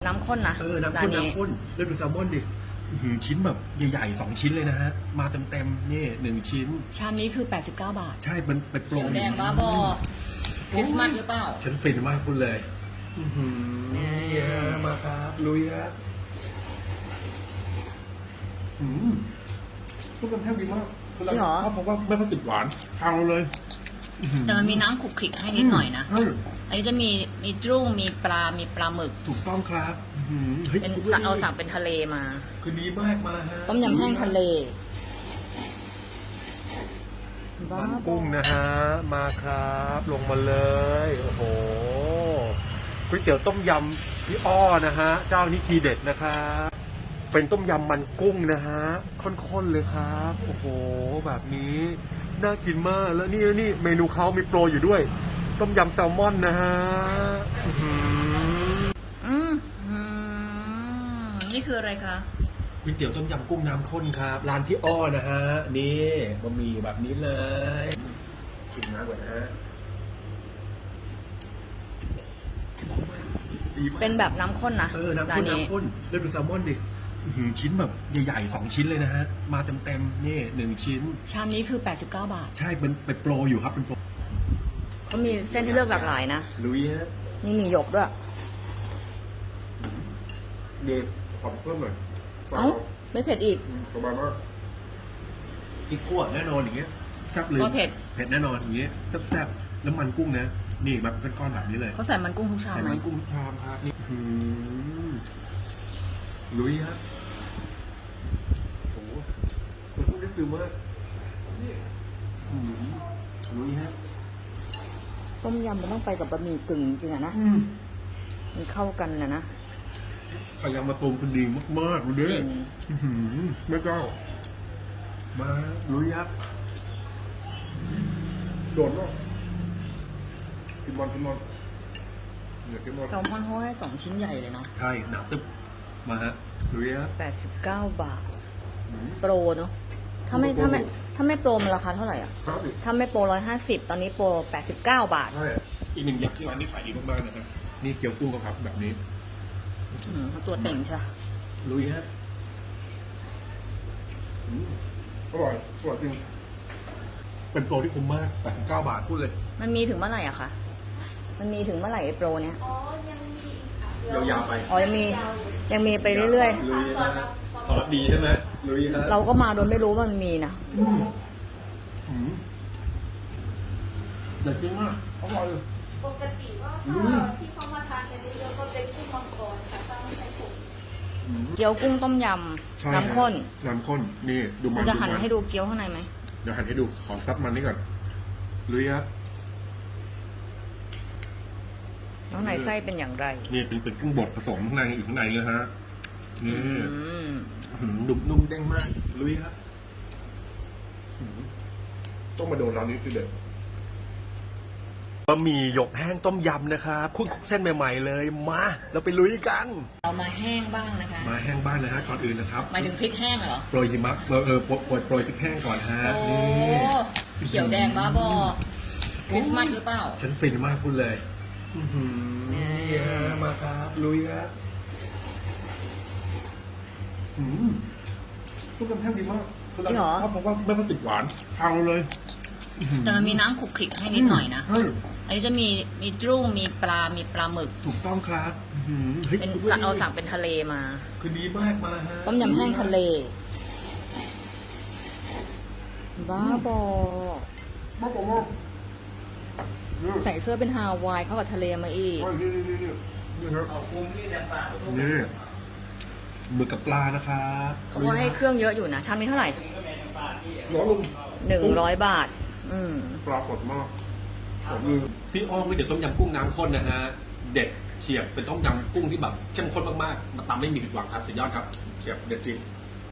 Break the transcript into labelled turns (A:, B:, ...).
A: น้ำข้นนะ
B: น้ำข้นแล้วดูแซลมอนดิชิ้นแบบใหญ่ๆ2ชิ้นเลยนะฮะมาเต็มๆนี่1ชิ้น
A: ชามนี้คือ89 บาท
B: ใช่มันเป็นโปร
A: เขียวแดงบ้าบอคริสต์มาสหรือเปล่า
B: ฉันฟินมากพูดเลยนี่ฮะมาครับลุยฮะพูดกันแทบดีมาก
A: จริงเหรอ
B: เพราะว่าไม่ค่อยติดหวานทางเลย
A: แต่มันมีน้ำขลุกขลิกให้นิดหน่อยนะอันนี้จะมีจุ้งมีปลาหมึก
B: ถูกต้องครับ
A: เป็นเราสั่งเป็นทะเลมา
B: คือดีมากมาฮะ
A: ต้มยำแห้งทะเล
B: มันกุ้งนะฮะมาครับลงมาเลยโอ้โหก๋วยเตี๋ยวต้มยำพี่อ้อนะฮะเจ้านี้ทีเด็ดนะครับเป็นต้มยำมันกุ้งนะฮะข้นๆเลยครับโอ้โหแบบนี้น่ากินมากแล้วนี่เมนูเขามีโปรอยู่ด้วยต้มยำแซลมอนนะฮะ
A: นี่คืออะไรคะ
B: ก๋วยเตี๋ยวต้มยำกุ้งน้ำข้นครับร้านพี่อ้อนะฮะนี่บะหมี่แบบนี้เลยชิมน้ำก่อนนะฮะ
A: เป็นแบบน้ำข้นนะ
B: น้ำข้นแล้วดูแซลมอนดิชิ้นแบบใหญ่ๆ2ชิ้นเลยนะฮะมาเต็มๆนี่1ชิ้น
A: ชามนี้คือ89 บาท
B: ใช่เป็นโปรอยู่ครับเป็นโปร
A: เขามีเส้นที่เลือกหลากหลายนะ
B: ลุยฮะ
A: นี่มีหยกด้วย
B: เดี๋ยวขอเพิ่มหน่อย
A: ไม่เผ็ดอีก
B: สบายมากพริกขั่วแน่นอนอย่างเงี้ยแซ่บเลย
A: ก็เผ็ด
B: แน่นอนอย่างเงี้ยแซ่บแล้วมันกุ้งนะนี่แบบก้อนๆแบบนี้เลย
A: เขาใส่มันกุ้งทุกชามไหม
B: ใส่มันกุ้งทุกชามครับนี่ลุยฮะโอ้โหมันกุ้งได้ฟิลมากลุยฮะ
A: ต้มยำมันต้องไปกับบะหมี่กึ่งจริงอะนะมันเข้ากันนะ
B: ไข่ยำมะตูมคือดีมากๆเลยเด้อไม่ก็มาลุยครับโดดเนาะกินบอลเนี่ยกินบอล
A: แซลมอนเขาให้2 ชิ้นใหญ่เลยเนาะ
B: ใช่หนาตึ๊บมาฮะลุยครับ
A: 89 บาทโปรเนาะถ้าไม่โปรมันราคาเท่าไหร่อ่ะถ้าไม่โปร150ตอนนี้โปร89 บาท
B: ใช่อีกหนึ่งอย่างที่ร้านนี้ขายดีมากๆนะครับนี่เกี๊ยวกุ้งครับแบบนี้
A: ตัวเต่งใช่
B: ลุยฮะอร่อยจริงเป็นโปรที่คุ้มมาก89 บาทพูดเลย
A: มันมีถึงเมื่อไหร่อะคะมันมีถึงเมื่อไหร่ไอ้โปรเนี้ย
B: ยาวๆไป
A: ยังมีไปเรื่อย
B: ๆลุยฮะตอบรับดีใช่ไหมลุยฮะ
A: เราก็มาโดยไม่รู้ว่ามันมีนะ
B: เด็ดจริงมากอร่อย
C: ปกติว่าที่เขามาทานกันเยอะๆก็เป็นกุ้งมังกรค่ะถ้าไม่ใช่ผง
A: เกี๊ยวกุ้งต้มยำน้ำข้น
B: นี่ดูมัน
A: จะหั่นให้ดูเกี๊ยวข้างในไหม
B: เดี๋ยวหั่นให้ดูขอซับมันนี่ก่อนลุยครับ
A: ข้างในไส้เป็นอย่างไร
B: นี่เป็นกุ้งบดผสมข้างในอยู่ข้างในเลยฮะนี่นุ่มเด้งมากลุยครับต้องมาโดนร้านนี้คือเด็ดบะหมี่หยกแห้งต้มยำนะครับคุกเส้นใหม่ๆเลยมาเราไปลุยกัน
A: เรามาแห้งบ้างนะคะ
B: มาแห้งบ้างนะฮะก่อนอื่นนะครับ
A: หมายถึงพริกแห้งเหรอ
B: โปรยหิมะโปรยพริกแห้งก่อนฮะ
A: นี่เขียวแดงบ้าบอคริสต์มาสหรือเปล่า
B: ฉันฟินมากพูดเลยนี่ฮะมาครับลุยฮะพูดกันแทบดีมาก
A: จริงเหรอ
B: เพราะว่าไม่ค่อยติดหวานทางเลย
A: แต่มันมีน้ำขลุกขลิกให้นิดหน่อยนะอันนี้จะมีจุ้งมีปลาหมึก
B: ถูกต้องครับ
A: เป็นเราสั่งเป็นทะเลมา
B: คือดีมากมาฮะ
A: ต้มยำแห้งทะเลบ้าบอใส่เสื้อเป็นฮาวายเข้ากับทะเลมาอีก
B: นี่ครับนี่หมึกกับปลานะครับ
A: เขาบอกให้เครื่องเยอะอยู่นะชามนี้เท่าไหร่100 บาท
B: ปลาสดมากพี่อ้อมก๋วยเตี๋ยวต้มยำกุ้งน้ำข้นนะฮะเด็ดเฉียบเป็นต้มยำกุ้งที่แบบเข้มข้นมากๆมาตำไม่มีผิดหวังครับสุดยอดครับเฉียบเด็ดจริง